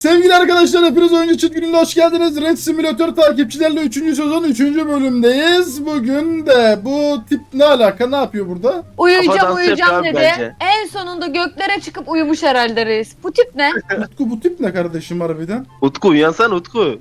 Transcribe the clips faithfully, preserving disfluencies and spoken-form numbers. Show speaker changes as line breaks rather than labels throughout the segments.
Sevgili arkadaşlar, hepiniz Oyuncu Çift Günü'ne hoş geldiniz. Red Simulator takipçilerle üçüncü sezon üçüncü bölümdeyiz. Bugün de bu tip ne alaka, ne yapıyor burada?
Uyuyacağım
Kafa dansı
uyuyacağım
yapıyor
dedi.
bence.
En sonunda göklere çıkıp uyumuş herhalde reis. Bu tip ne?
Utku, bu tip ne kardeşim harbiden?
Utku uyansan Utku.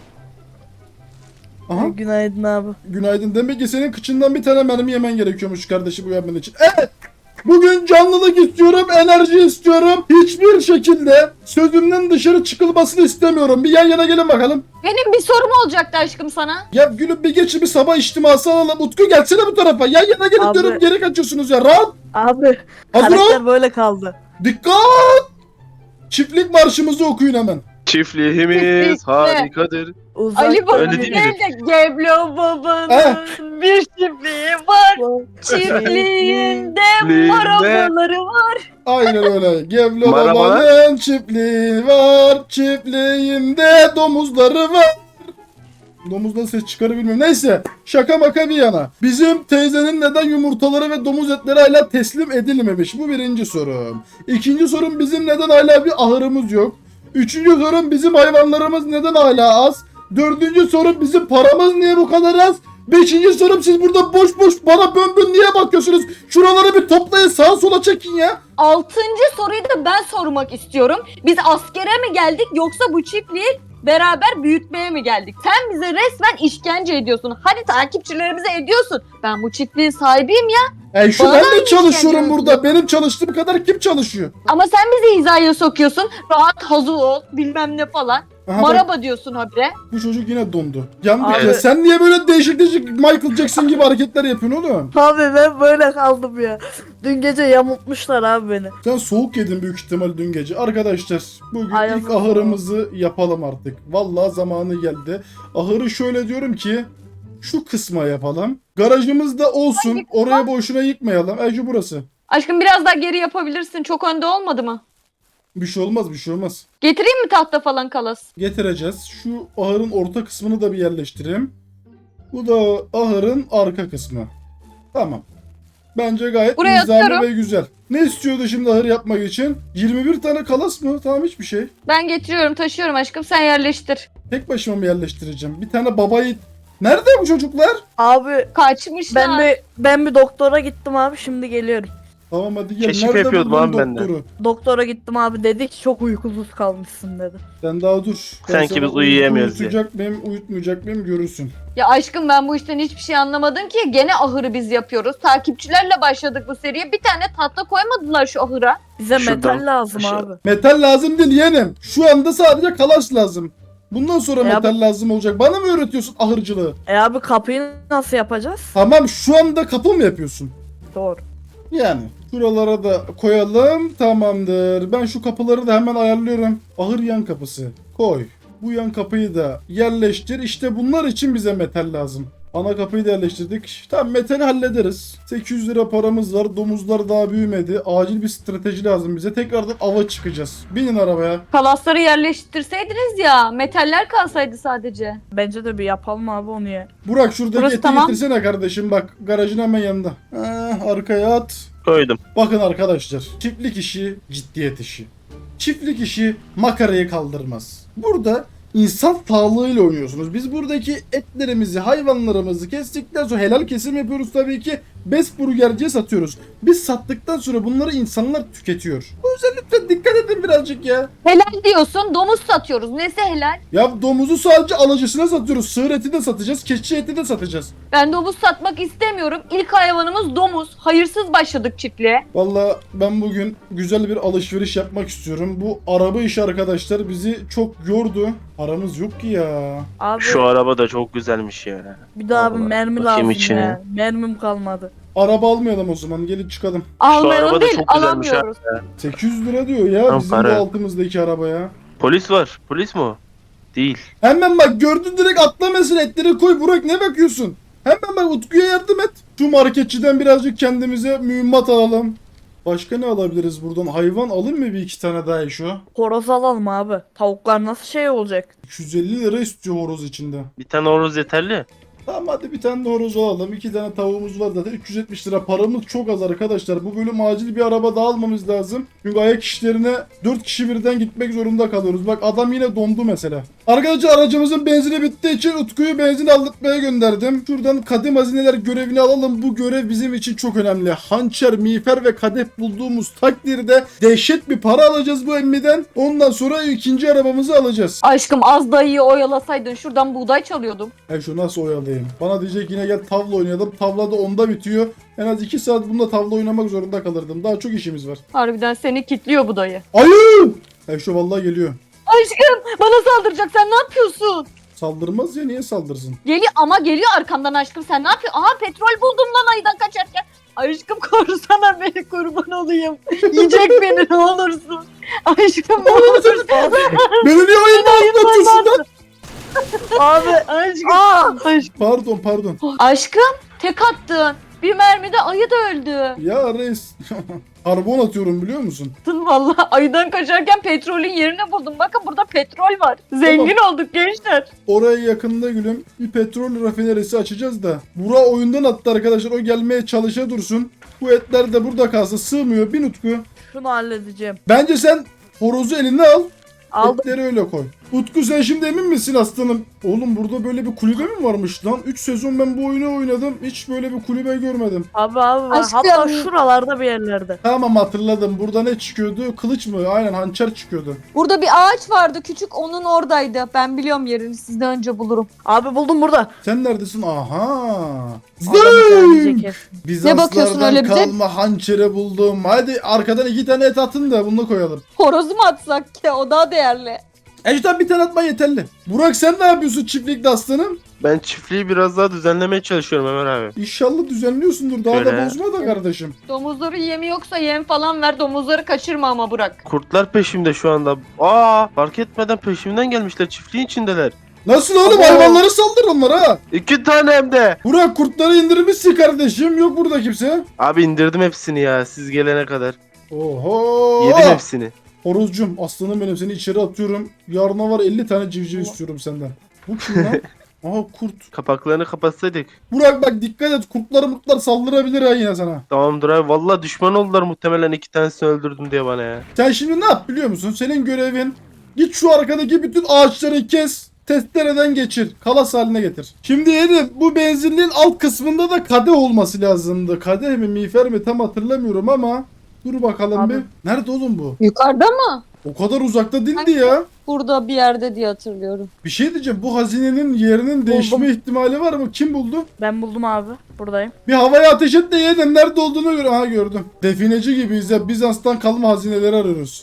Aha,
Günaydın abi.
günaydın. Demek ki senin kıçından bir tane mermi yemen gerekiyormuş kardeşim uyanman için. Evet! Bugün canlılık istiyorum, enerji istiyorum. Hiçbir şekilde sözümden dışarı çıkılmasını istemiyorum. Bir yan yana gelin bakalım.
Benim bir sorum olacaktı aşkım sana.
Ya gülüm bir geçin, bir sabah içtiması alalım. Utku gelsene bu tarafa. Yan yana gelin
Abi.
diyorum, geri kaçıyorsunuz ya. Rahat.
Abi
Hazır ol.
karakter böyle kaldı.
Dikkat! Çiftlik marşımızı okuyun hemen.
Çiftliğimiz harikadır.
Uzak
Ali Baba
öyle
değil
değil
de Geblo Baba'nın
Eh.
bir çiftliği var. Çiftliğinde
Çiftliğinde-
marabaları var.
Aynen öyle. Gevlo
Marabalar.
babanın çiftliği var. Çiftliğinde domuzları var. Domuzdan ses çıkarı bilmiyorum. Neyse, şaka maka bir yana. Bizim teyzenin neden yumurtaları ve domuz etleri hala teslim edilmemiş? Bu birinci sorum. İkinci sorum, bizim neden hala bir ahırımız yok? Üçüncü sorum, bizim hayvanlarımız neden hala az? Dördüncü sorum, bizim paramız niye bu kadar az? Beşinci sorum, siz burada boş boş bana bön bön niye bakıyorsunuz? Şuraları bir toplayın, sağa sola çekin ya.
Altıncı soruyu da ben sormak istiyorum. Biz askere mi geldik yoksa bu çiftliği beraber büyütmeye mi geldik? Sen bize resmen işkence ediyorsun. Hadi takipçilerimize ediyorsun. Ben bu çiftliğin sahibiyim ya.
E şu
Bana
ben
da
de çalışıyorum
işkence
burada. Benim çalıştığım kadar kim çalışıyor?
Ama sen bizi hizaya sokuyorsun. Rahat hazır ol bilmem ne falan.
Aha, bak,
Maraba diyorsun habire.
bu çocuk yine dondu. Yandık
Abi-
ya. Sen niye böyle değişik değişik Michael Jackson gibi hareketler yapıyorsun oğlum?
Abi ben böyle kaldım ya. Dün gece yamultmuşlar abi beni.
Sen soğuk yedin büyük ihtimal dün gece. Arkadaşlar bugün
Ay,
ilk
yazık
ahırımızı yapalım artık. Vallahi zamanı geldi. Ahırı şöyle diyorum ki şu kısma yapalım. Garajımız da olsun.
Hangi kısma?
Oraya boşuna yıkmayalım. E şu burası.
Aşkım biraz daha geri yapabilirsin. Çok önde olmadı mı?
Bir şey olmaz, bir şey olmaz.
Getireyim mi tahta falan kalas?
Getireceğiz. Şu ahırın orta kısmını da bir yerleştireyim. Bu da ahırın arka kısmı. Tamam. Bence gayet
Buraya
nizami
atıyorum.
ve güzel. Ne istiyordu şimdi ahır yapmak için? yirmi bir tane kalas mı? Tamam, hiçbir şey.
Ben getiriyorum taşıyorum aşkım sen yerleştir.
Tek başıma mı yerleştireceğim? Bir tane babayı... Nerede bu çocuklar?
Abi
Kaçmışlar.
ben bir ben bir doktora gittim abi, şimdi geliyorum.
Tamam hadi gel.
Keşif
Nerede
yapıyordum
buldun
abi ben de.
doktoru?
Doktora gittim abi, dedi ki çok uykusuz kalmışsın dedi.
Sen daha dur. Ben
Sanki
sana
biz uyuyamıyoruz
uyut- Uyutacak mıyım, uyutmayacak mıyım görürsün.
Ya aşkım ben bu işten hiçbir şey anlamadım ki. Gene ahırı biz yapıyoruz. Takipçilerle başladık bu seriye. Bir tane tahta koymadılar şu ahıra.
Bize
Şuradan
metal lazım
aşağı.
abi.
Metal lazım değil yeğenim. Şu anda sadece kalas lazım. Bundan sonra
Ya
metal lazım olacak. Bana mı öğretiyorsun ahırcılığı?
E abi kapıyı nasıl yapacağız?
Tamam, şu anda kapı mı yapıyorsun?
Doğru.
Yani şuralara da koyalım, tamamdır. Ben şu kapıları da hemen ayarlıyorum. Ahır yan kapısı koy. Bu yan kapıyı da yerleştir. İşte bunlar için bize metal lazım. Ana kapıyı da yerleştirdik. Tamam, metali hallederiz. sekiz yüz lira paramız var. Domuzlar daha büyümedi. Acil bir strateji lazım bize. Tekrardan ava çıkacağız. Binin arabaya.
Kalasları yerleştirseydiniz ya. Metaller kalsaydı sadece.
Bence de bir yapalım abi onu ya.
Burak şuradaki
Burası
eti
tamam.
getirsene kardeşim. Bak, garajın hemen yanında. Ah, arkaya at.
Koydum.
Bakın arkadaşlar, çiftlik işi ciddiyet işi. Çiftlik işi makarayı kaldırmaz. Burada insan sağlığıyla oynuyorsunuz. Biz buradaki etlerimizi, hayvanlarımızı kestikten sonra helal kesim yapıyoruz tabii ki. Best burgerciye satıyoruz. Biz sattıktan sonra bunları insanlar tüketiyor. O yüzden lütfen dikkat edin birazcık ya.
Helal diyorsun. Domuz satıyoruz. Nesi helal?
Ya domuzu sadece alıcısına satıyoruz. Sığır eti de satacağız, keçi eti de satacağız.
Ben domuz satmak istemiyorum. İlk hayvanımız domuz. Hayırsız başladık çiftliğe.
Vallahi ben bugün güzel bir alışveriş yapmak istiyorum. Bu araba işi arkadaşlar bizi çok yordu. Paramız yok ki ya.
Abi
Şu araba da çok güzelmiş ya.
bir daha abi
Allah,
mermi
bakayım
lazım
içine.
ya. Mermim kalmadı.
Araba almayalım o zaman. Gelin çıkalım.
Almayalım
araba da
değil
çok güzelmiş ha.
alamıyoruz.
sekiz yüz lira diyor ya
Tam
bizim
para.
bu altımızdaki arabaya.
Polis var. Polis mi o? Değil.
Hemen bak, gördün direkt atla mesela, etleri koy. Burak ne bakıyorsun? Hemen bak, Utku'ya yardım et. Şu marketçiden birazcık kendimize mühimmat alalım. Başka ne alabiliriz buradan? Hayvan alayım mı bir iki tane daha şu?
Horoz alalım abi. Tavuklar nasıl şey olacak?
iki yüz elli lira istiyor horoz içinde.
Bir tane horoz yeterli.
Tamam hadi bir tane de horoz alalım. iki tane tavuğumuz var zaten. üç yüz yetmiş lira paramız çok az arkadaşlar. Bu bölüm acil bir araba daha almamız lazım. Çünkü ayak işlerine dört kişi birden gitmek zorunda kalıyoruz. Bak adam yine dondu mesela. Arkadaşlar aracımızın benzini bittiği için Utku'yu benzin aldırtmaya gönderdim. Şuradan kadim hazineler görevini alalım. Bu görev bizim için çok önemli. Hançer, miğfer ve kadeh bulduğumuz takdirde dehşet bir para alacağız bu emmiden. Ondan sonra ikinci arabamızı alacağız.
Aşkım az dayıyı oyalasaydın şuradan buğday çalıyordum.
He şu nasıl oyalayayım? Bana diyecek yine gel tavla oynayalım. Tavla da onda bitiyor. En az iki saat bunda tavla oynamak zorunda kalırdım. Daha çok işimiz var.
Harbiden seni kitliyor bu dayı.
Ayı! He şu vallahi geliyor.
Aşkım bana saldıracak, sen ne yapıyorsun?
Saldırmaz ya, niye saldırsın?
Geliyor ama geliyor arkamdan aşkım, sen ne yapıyorsun? Aha petrol buldum lan ayıdan kaçarken. Aşkım korusana beni, kurban olayım. Yiyecek beni ne olursun. Aşkım ne olursun.
Beni niye oyundan atlatıyorsun lan?
Abi.
Aşkım.
Aa.
Aşkım.
Pardon pardon.
Aşkım tek attın. Bir mermide ayı da öldü.
Ya reis. Karbon atıyorum biliyor musun?
Attın valla. Ayıdan kaçarken petrolün yerini buldum. Bakın burada petrol var. Zengin olduk gençler.
Oraya yakında gülüm bir petrol rafinerisi açacağız da. Bura oyundan attı arkadaşlar. O gelmeye çalışa dursun. Bu etler de burada kalsa sığmıyor. Bir Utku.
Şunu halledeceğim.
Bence sen horozu eline al.
Aldım.
Etleri öyle koy. Utku sen şimdi emin misin aslanım? Oğlum burada böyle bir kulübe mi varmış lan? üç sezon ben bu oyunu oynadım. Hiç böyle bir kulübe görmedim.
Abi abi.
Aşkım.
Hatta şuralarda bir yerlerde.
Tamam hatırladım. Burada ne çıkıyordu? Kılıç mı? Aynen hançer çıkıyordu.
Burada bir ağaç vardı küçük, onun oradaydı. Ben biliyorum yerini, sizden önce bulurum.
Abi buldum burada.
Sen neredesin? Aha.
Adam bir tane
Zing!
ceket.
Ne bakıyorsun
Bizanslardan
öyle bize?
kalma hançere buldum. Hadi arkadan iki tane et atın da bunu koyalım.
Horozu mu atsak ki? O daha değerli.
Ejder bir tane atma yeterli. Burak sen ne yapıyorsun çiftlikte aslanım?
Ben çiftliği biraz daha düzenlemeye çalışıyorum Ömer abi.
İnşallah düzenliyorsundur. Daha da
Öyle.
bozma da kardeşim.
Domuzları yemi yoksa yem falan ver. Domuzları kaçırma ama Burak.
Kurtlar peşimde şu anda. Aa, fark etmeden peşimden gelmişler. Çiftliğin içindeler.
Nasıl oğlum?
Abo.
Hayvanları saldır onlara.
İki tane hem de.
Burak kurtları indirmişsin kardeşim. Yok burada kimse.
Abi indirdim hepsini ya siz gelene kadar.
Oho.
Yedim hepsini.
Horozcum aslanım benim, seni içeri atıyorum. Yarına var elli tane civciv istiyorum senden. Bu kim lan? Aha kurt.
Kapaklarını kapatsaydık.
Burak bak dikkat et, kurtlar mutlar saldırabilir ha yine sana.
Tamamdır abi. Valla düşman oldular muhtemelen iki tanesini öldürdüm diye bana ya.
Sen şimdi ne yap biliyor musun? Senin görevin git şu arkadaki bütün ağaçları kes. Testereden geçir. Kalas haline getir. Şimdi yedim. Bu benzinliğin alt kısmında da kadeh olması lazımdı. Kadeh mi miğfer mi tam hatırlamıyorum ama. Dur bakalım
Abi.
bir. Nerede oğlum bu?
Yukarıda mı?
O kadar uzakta değildi
Hangi?
ya.
Burada bir yerde diye hatırlıyorum.
Bir şey diyeceğim. Bu hazinenin yerinin değişme
Buldum.
ihtimali var mı? Kim buldu?
Ben buldum abi. Buradayım.
Bir havaya ateş et de yedim. Nerede olduğunu gör. Aha gördüm. Defineci gibiyiz ya. Bizans'tan kalma hazineleri arıyoruz.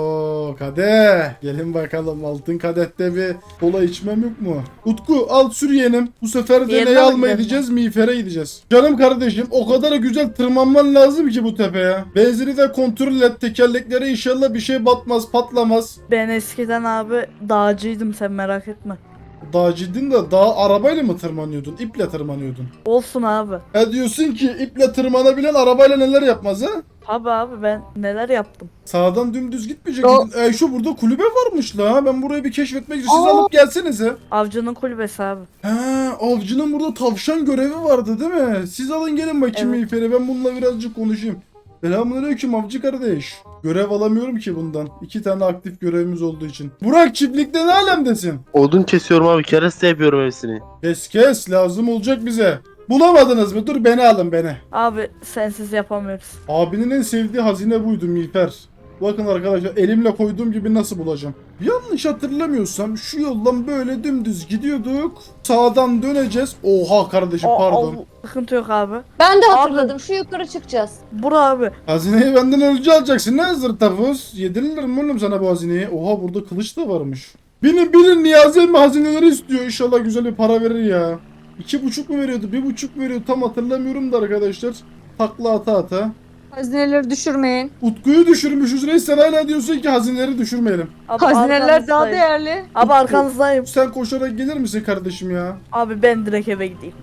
Oo kadeh. Gelin bakalım. Altın kadehte bir kola içmem yok mu? Utku al sür yeğenim. Bu sefer de
Diğerine
neyi
mi
almaya
gidelim?
gideceğiz? Miğfere gideceğiz. Canım kardeşim o kadar güzel tırmanman lazım ki bu tepeye. Benzini de kontrol et. Tekerleklere inşallah bir şey batmaz, patlamaz.
Ben eskiden abi dağcıydım, sen merak etme.
Daha ciddin de daha arabayla mı tırmanıyordun? İple tırmanıyordun.
Olsun abi.
Ha diyorsun ki iple tırmanabilen arabayla neler yapmaz ha?
Abi abi ben neler yaptım.
Sağdan dümdüz gitmeyecek.
O-
E, şu burada kulübe varmış la. Ben burayı bir keşfetmek için. Siz
Aa.
alıp gelsenize.
Avcının kulübesi abi.
Ha, avcının burada tavşan görevi vardı değil mi? Siz alın gelin bakayım
Evet.
Miğfer'e. Ben bununla birazcık konuşayım. Selamünaleyküm avcı kardeş. Görev alamıyorum ki bundan. İki tane aktif görevimiz olduğu için. Burak çiftlikte ne alemdesin?
Odun kesiyorum abi. Kereste yapıyorum hepsini.
Kes kes lazım olacak bize. Bulamadınız mı? Dur beni alın beni.
Abi sensiz yapamıyoruz.
Abinin en sevdiği hazine buydu Miğfer. Bakın arkadaşlar elimle koyduğum gibi nasıl bulacağım. Yanlış hatırlamıyorsam şu yoldan böyle dümdüz gidiyorduk. Sağdan döneceğiz. Oha kardeşim
O-
pardon.
o- sıkıntı yok abi.
Ben de hatırladım. Şu yukarı çıkacağız.
Bura abi.
Hazineyi benden önce alacaksın. Ne hazır tafus? Yedirilir mi oğlum sana bu hazineyi? Oha burada kılıç da varmış. Binin binin Niyazi emmi hazineleri istiyor. İnşallah güzel bir para verir ya. İki buçuk mu veriyordu? Bir buçuk mu veriyordu? Tam hatırlamıyorum da arkadaşlar. Takla ata ata.
Hazineleri düşürmeyin.
Utku'yu düşürmüşüz reis, sen hala diyorsun ki hazineleri düşürmeyelim.
Abi
Hazineler daha
arkanızdayım.
değerli.
Abi arkanızdayım.
Sen koşarak gelir misin kardeşim ya?
Abi ben direkt eve gideyim.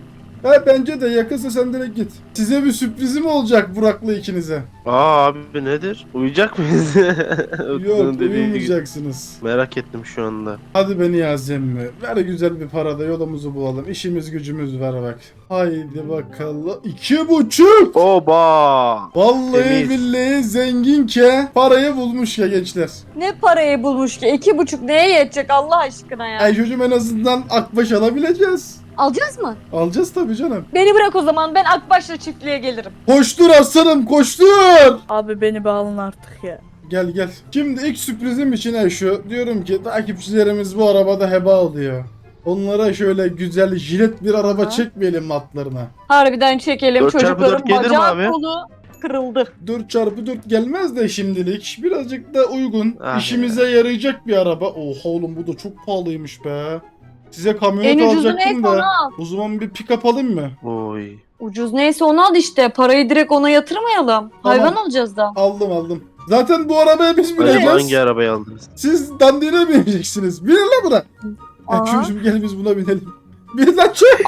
Ha, bence de yakınsa sen direkt git. Size bir sürprizim olacak Burak'la ikinize.
Aa abi nedir? Uyuyacak mıyız?
Yok,
Utku'nun dediği gibi.
uyumayacaksınız.
Merak ettim şu anda.
Hadi beni yazayım mı? Ver güzel bir parada yolumuzu bulalım. İşimiz gücümüz var bak. Haydi bakalım. İki buçuk.
Oba!
Vallahi
Temiz.
billahi zenginke parayı bulmuş ya gençler.
Ne parayı bulmuş ki? İki buçuk neye yetecek Allah aşkına ya?
Ay çocuğum en azından akbaş alabileceğiz.
Alacağız mı?
Alacağız tabii canım.
Beni bırak o zaman, ben Akbaş'la çiftliğe gelirim.
Koştur aslanım koştur.
Abi beni bir alın artık ya.
Gel gel. Şimdi ilk sürprizim için şu. Diyorum ki takipçilerimiz bu arabada heba oluyor. Onlara şöyle güzel jilet bir araba
Ha?
çekmeyelim mi atlarına?
Harbiden çekelim,
Dört çarpı
çocukların
dört gelir mi
bacağı
abi?
kolu kırıldı.
dört çarpı dört gelmez de şimdilik. Birazcık da uygun.
Ah
işimize yarayacak bir araba. Oha oğlum bu da çok pahalıymış be. Size kamyonet
En ucuzu
alacaktım
neyse
da.
onu al.
O zaman bir pick-up alayım mı?
Oy.
Ucuz neyse onu al işte. Parayı direkt ona yatırmayalım. Hayvan alacağız da.
Aldım aldım. Zaten bu arabaya biz
Acaba
bineceğiz.
hangi arabayı aldınız?
Siz dandine bineceksiniz. Binin lan buna.
Aha.
Ya çocuğum gel biz buna binelim. Bin lan çık.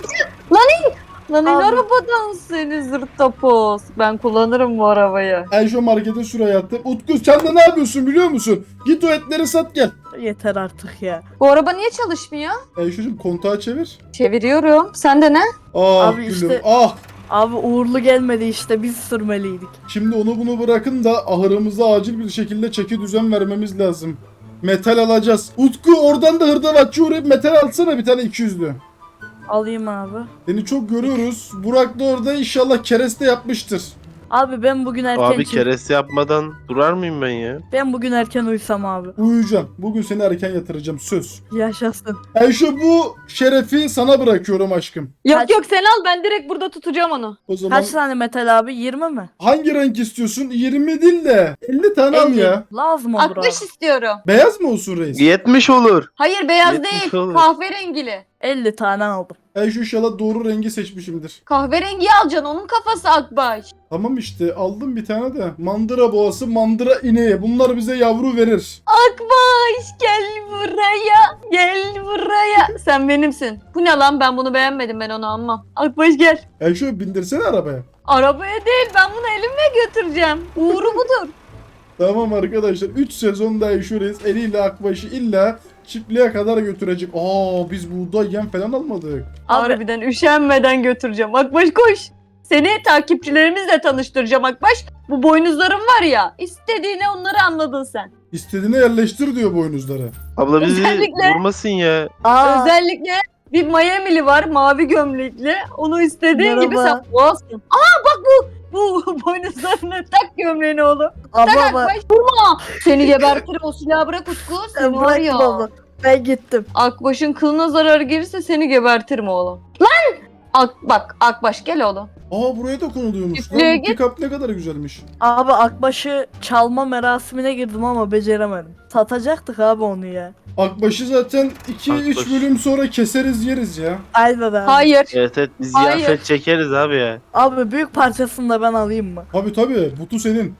Lan in
Abi.
arabadan seni zırt tapoz. Ben kullanırım bu arabayı.
Ben şu markete şuraya attım. Utku sen de ne yapıyorsun biliyor musun? Git o etleri sat gel.
Yeter artık ya.
Bu araba niye çalışmıyor?
Ayşe'cim kontağı çevir.
Çeviriyorum. Sen de ne?
Ah
Abi
gülüm
işte-
ah.
Abi uğurlu gelmedi işte, biz sürmeliydik.
Şimdi onu bunu bırakın da ahırımıza acil bir şekilde çeki düzen vermemiz lazım. Metal alacağız. Utku oradan da hırdavatçı uğrayıp metal alsana bir tane iki yüzlü.
Alayım abi.
Seni çok görüyoruz. Burak da orada inşallah kereste yapmıştır.
Abi ben bugün erken
Abi
çık-
keresi yapmadan durar mıyım ben ya?
Ben bugün erken uyusam abi.
Uyuyacağım. Bugün seni erken yatıracağım söz.
Yaşasın.
Ayşe bu şerefi sana bırakıyorum aşkım.
Yok
Kaç-
yok sen al, ben direkt burada tutacağım onu.
O zaman
Kaç tane metal abi? yirmi mi?
hangi renk istiyorsun? yirmi değil de elli tane al
elli.
ya.
Lazım olur abi.
Akbaş istiyorum.
Beyaz mı olsun reis?
yetmiş olur.
Hayır beyaz
Yetmiş
değil.
olur.
Kahverengili.
elli tane aldım.
Ayşe inşallah doğru rengi seçmişimdir.
Kahverengiyi alacaksın, onun kafası Akbaş.
Tamam işte aldım bir tane de. Mandıra boğası, mandıra ineği. Bunlar bize yavru verir.
Akbaş gel buraya. Gel buraya. Sen benimsin. Bu ne lan, ben bunu beğenmedim, ben onu almam. Akbaş gel.
Ayşe bindirsene arabaya.
Arabaya değil, ben bunu elimle götüreceğim. Uğuru budur.
Tamam arkadaşlar. üç sezonda Ayşe reis eliyle Akbaş'ı illa çiftliğe kadar götürecek. Aa biz buğday yem falan almadık.
Abi
Harbiden üşenmeden götüreceğim. Akbaş koş. Seni takipçilerimizle tanıştıracağım Akbaş. Bu boynuzlarım var ya. İstediğini onları anladın sen.
İstediğine yerleştir diyor boynuzları.
Abla bizi
Özellikle-
vurmasın ya.
aa,
Özellikle bir Miami'li var, mavi gömlekli. Onu istediğin gibi
Merhaba.
sen boğazsın. Aa bak bu. Bu boynuzlarını tak gömleğini oğlum. Tak
abla bak.
Akbaş vurma. Seni gebertirim, o silahı bırak Utku. Seni var
Bırak
ya.
baba. Ben gittim.
Akbaş'ın kılına zarar gelirse seni gebertirim oğlum. Lan! Ak, bak Akbaş gel oğlum.
Aa buraya da konuluyormuş.
Çiftliğe
Lan bu
git.
pick-up ne kadar güzelmiş.
Abi Akbaş'ı çalma merasimine girdim ama beceremedim. Satacaktık abi onu ya.
Akbaş'ı zaten iki üç
Akbaş.
bölüm sonra keseriz yeriz ya.
Aynen abi.
Hayır.
Evet evet biz
Hayır.
ziyafet çekeriz abi ya.
Abi büyük parçasını da ben alayım mı?
Tabi tabi butu senin.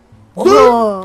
Oo.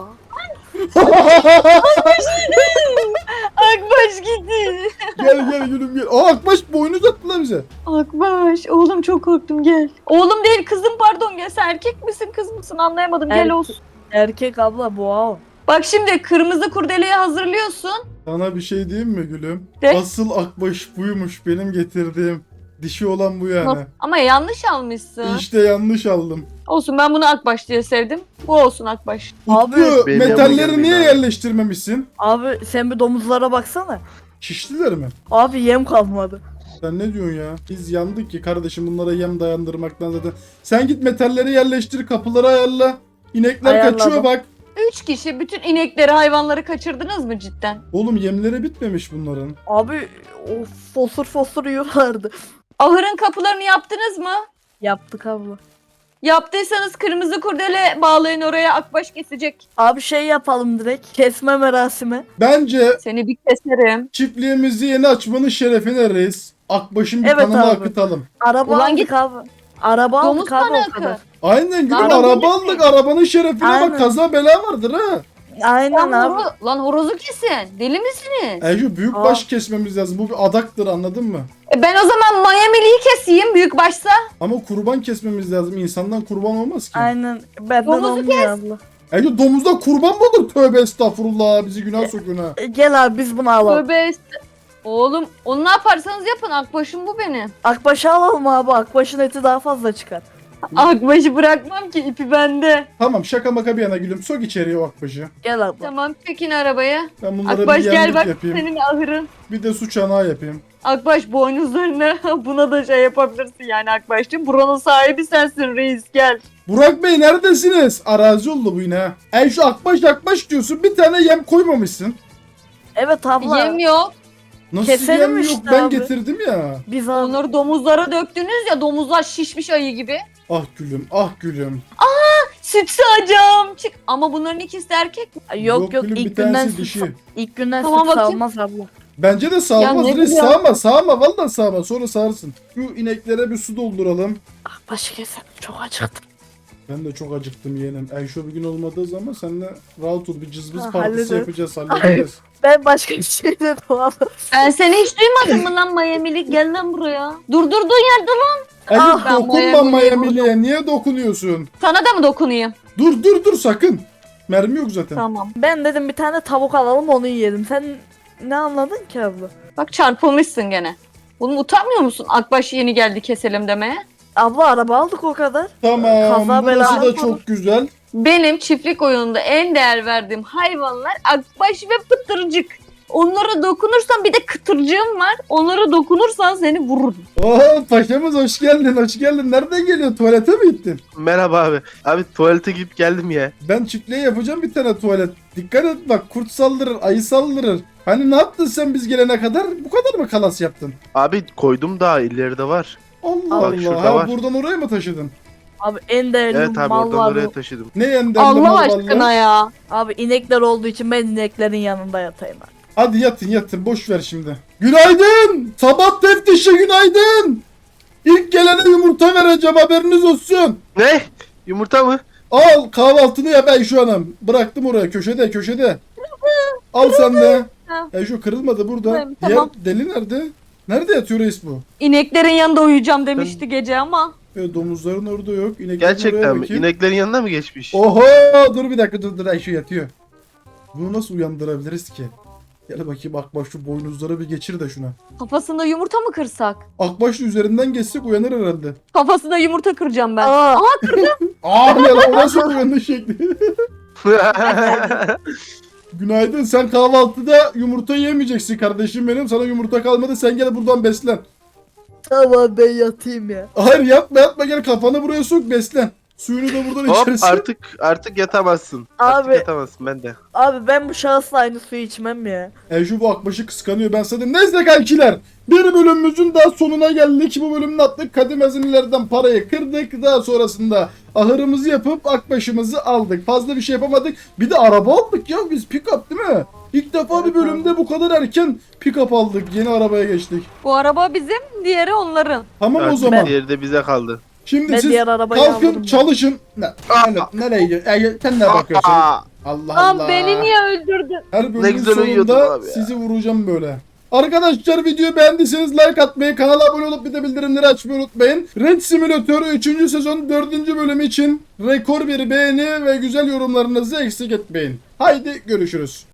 Akbaş gitti.
Gel gel gülüm gel. Aa Akbaş boynuz attı lan bize.
Akbaş oğlum çok korktum, gel. Oğlum değil kızım, pardon, gel. Sen erkek misin kız mısın anlayamadım, gel
Erkek.
olsun.
Erkek abla boğa o.
Bak şimdi kırmızı kurdeleyi hazırlıyorsun.
Sana bir şey diyeyim mi gülüm?
De.
Asıl Akbaş buymuş benim getirdiğim. Dişi olan bu yani.
Ama yanlış almışsın.
İşte yanlış aldım.
Olsun, ben bunu Akbaş diye sevdim. Bu olsun Akbaş.
Abi
Utku
benim
metalleri
yanıma
niye
gelmeyin abi.
yerleştirmemişsin?
Abi sen bir domuzlara baksana.
Şiştiler mi?
Abi yem kalmadı.
Sen ne diyorsun ya? Biz yandık ki kardeşim bunlara yem dayandırmaktan zaten. Sen git metalleri yerleştir, kapıları ayarla. İnekler
Ayarladım.
kaçıyor bak.
Üç kişi bütün inekleri, hayvanları kaçırdınız mı cidden?
Oğlum yemleri bitmemiş bunların.
Abi o fosur fosur yiyorlardı.
Ahırın kapılarını yaptınız mı?
Yaptık abla.
Yaptıysanız kırmızı kurdele bağlayın oraya, Akbaş kesecek.
Abi şey yapalım direkt. Kesme merasimi.
Bence
Seni bir keserim.
çiftliğimizi yeni açmanın şerefine reis. Akbaş'ın bir
Evet
kanını
abi.
akıtalım.
Araba
Ulan
aldık
git.
abi. Araba
Domuz
aldık abi
kanı
o kadar.
akı.
Aynen gülüm
Araba
araba
değil mi?
aldık. Arabanın şerefine
Aynen.
bak, kaza bela vardır ha.
Aynen
Lan,
abi.
horo- lan horozu kesin. Deli misiniz?
Ece büyük
Aa.
baş kesmemiz lazım. Bu bir adaktır, anladın mı?
E ben o zaman Miami'liyi keseyim büyük başsa.
Ama kurban kesmemiz lazım. İnsandan kurban olmaz ki.
Aynen. Benden
Domuzu
olmuyor abla.
Ece domuzda kurban mı olur? Tövbe estağfurullah. Bizi günah sokuyorsun ha.
E, Gel abi biz bunu alalım.
Tövbe est- Oğlum onu ne yaparsanız yapın. Akbaşım bu benim.
Akbaş'ı alalım abi. Akbaş'ın eti daha fazla çıkar.
Akbaşı bırakmam ki ipi bende.
Tamam, şaka maka bir yana gülüm. Sok içeriye o akbaşı.
Gel abla.
Tamam çekin arabaya.
Ben bunlara
Akbaş
bir
gel
yemlik
bak
yapayım.
senin ahırın.
Bir de su çanağı yapayım.
Akbaş boynuzlarını buna da şey yapabilirsin yani Akbaş'cığım. Buranın sahibi sensin reis gel.
Burak Bey neredesiniz? Arazi oldu bu yine ha. Ey şu akbaş akbaş diyorsun. Bir tane yem koymamışsın.
Evet abla.
Yem yok.
Nasıl
Keselim
yem yok?
işte
Ben
abi.
getirdim ya.
Biz abi.
Onları domuzlara döktünüz ya domuzlar şişmiş ayı gibi.
Ah gülüm, ah gülüm.
Süt sağacağım. Çık. Ama bunların ikisi de erkek mi?
Ay, Yok yok,
gülüm, bir
ilk günden
tanesi
süt,
dişi.
ilk günden
Tamam,
süt
bakayım.
salmaz abla.
Bence de sağlamaz.
Ya ne
Reis
güzel.
sağma, sağma. Vallahi sağma. Sonra sağırsın. Şu ineklere bir su dolduralım.
Akbaş'ı keselim. Çok acıktım.
Ben de çok acıktım yeğenim. Ayşe bir gün olmadığı zaman seninle rahat ol. Bir cızbız
Ha,
partisi
hallederiz.
yapacağız, halledeceğiz.
Ben başka bir şey dedim abla.
Ben seni hiç duymadım mı lan Miami'lik? Gel lan buraya. Dur durduğun yerde lan.
Ece
Ah, ben
dokunma
Miami'liye
Miami'liye. Niye dokunuyorsun?
Sana da mı dokunayım?
Dur dur dur sakın. Mermi yok zaten.
Tamam.
Ben dedim bir tane tavuk alalım onu yiyelim. Sen ne anladın ki abla?
Bak çarpılmışsın gene. Bunu utanmıyor musun? Akbaş yeni geldi keselim demeye.
Abla araba aldık o kadar.
Tamam.
Kaza
Burası
bela
da
yapalım.
çok güzel.
Benim çiftlik oyununda en değer verdiğim hayvanlar akbaş ve pıtırcık. Onlara dokunursan bir de kıtırcığım var. Onlara dokunursan seni vururum.
Oo paşamız hoş geldin, hoş geldin. Nereden geliyorsun? Tuvalete mi gittin?
Merhaba abi. Abi tuvalete gidip geldim ya.
Ben çiftliğe yapacağım bir tane tuvalet. Dikkat et bak, kurt saldırır, ayı saldırır. Hani ne yaptın sen biz gelene kadar? Bu kadar mı kalas yaptın?
Abi koydum daha ileride var.
Allah
Bak
Allah.
şurada
Ha,
var.
buradan oraya mı taşıdın?
Abi en değerli
Evet abi
mal
oradan
var
oraya
bu.
taşıdım.
Ne yenderli
Allah
mal
aşkına
vallahi?
ya.
Abi inekler olduğu için ben ineklerin yanında yatayım abi.
Hadi yatın yatın, boş ver şimdi. Günaydın! Sabah teftişi günaydın! İlk gelene yumurta vereceğim, haberiniz olsun.
Ne? Yumurta mı?
Al kahvaltını yap Ayşe Hanım. Bıraktım oraya köşede köşede. Al sen de.
Ha.
Ayşe kırılmadı burada.
Tamam,
Diğer
tamam.
deli nerede? Nerede yatıyor reis bu?
İneklerin yanında uyuyacağım demişti gece ama.
E, domuzların orada yok. İneklerin oraya
Gerçekten mi?
bakayım.
İneklerin yanına mı geçmiş?
Oho dur bir dakika dur dur Ayşe yatıyor. Bunu nasıl uyandırabiliriz ki? Gel bakayım Akbaş, şu boynuzları bir geçir de şuna.
Kafasında yumurta mı kırsak?
Akbaş üzerinden geçsek uyanır herhalde.
Kafasında yumurta kıracağım ben.
Aa,
Aa ne lan, o nasıl uyanış şekli? Günaydın, sen kahvaltıda yumurta yemeyeceksin kardeşim benim. Sana yumurta kalmadı, sen gel buradan beslen.
tamam ben yatayım ya.
Hayır yatma yatma, gel kafanı buraya sok, beslen. Suyunu da buradan
Hop
içersin.
artık artık yatamazsın. Artık
Abi.
yatamazsın ben de.
Abi ben bu şahısla aynı suyu içmem ya.
E şu bu Akbaş'ı kıskanıyor, ben sana. Neyse kankiler, bir bölümümüzün daha sonuna geldik. Bu bölümün attık, kadim hazinelerden parayı kırdık. Daha sonrasında ahırımızı yapıp Akbaş'ımızı aldık. Fazla bir şey yapamadık. Bir de araba aldık ya biz, pick-up değil mi? İlk defa bir bölümde bu kadar erken pick-up aldık. Yeni arabaya geçtik.
Bu araba bizim, diğeri onların.
Tamam o
Artık
zaman.
diğeri de bize kaldı.
Şimdi
Ben
siz
diğer arabayı
kalkın
alırım.
çalışın. Ne, ne, nereye gidiyorsun? E, sen ne bakıyorsun?
Aa,
Allah
Lan
Allah.
beni niye öldürdün?
Her
Ne
bölümün
güzel uyuyordun
sonunda
abi ya.
sizi vuracağım böyle. Arkadaşlar videoyu beğendiyseniz like atmayı, kanala abone olup bir de bildirimleri açmayı unutmayın. Red Simulator üçüncü sezon dördüncü bölüm için rekor bir beğeni ve güzel yorumlarınızı eksik etmeyin. Haydi görüşürüz.